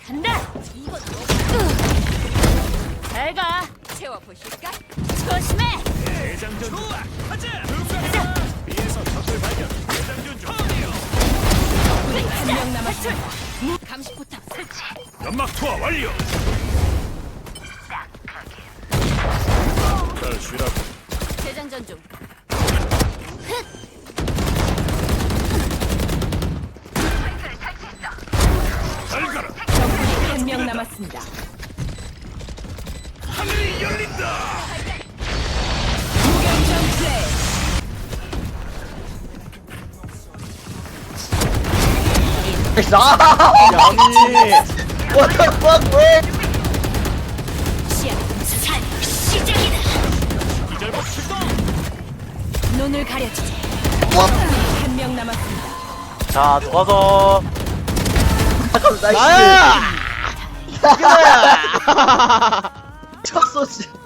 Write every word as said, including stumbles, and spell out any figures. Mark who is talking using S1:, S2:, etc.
S1: 간다. 이거 잘가. 채워보실까? 조심해.
S2: 대장전 좋아. 가자. B에서 적을 발견. 대장전 중.
S1: 한 명 남았어. 감시포탑 설치.
S2: 연막 투하 완료. 잘 쉬라고.
S1: 재장전 중.
S2: 잘 가라.
S1: 적군이 한 명 남았습니다.
S2: 하늘이 열린다.
S1: 무결점 플레이.
S3: 아니 What the fuck 왜?
S1: 시야 살 시작이다.
S2: 기절복 출동.
S1: 눈을 가려주지.
S3: 와.
S1: 한 명 남았습니다.
S4: 자, 누가서
S3: 잠깐 나이스
S4: 나야!
S3: 첫 소지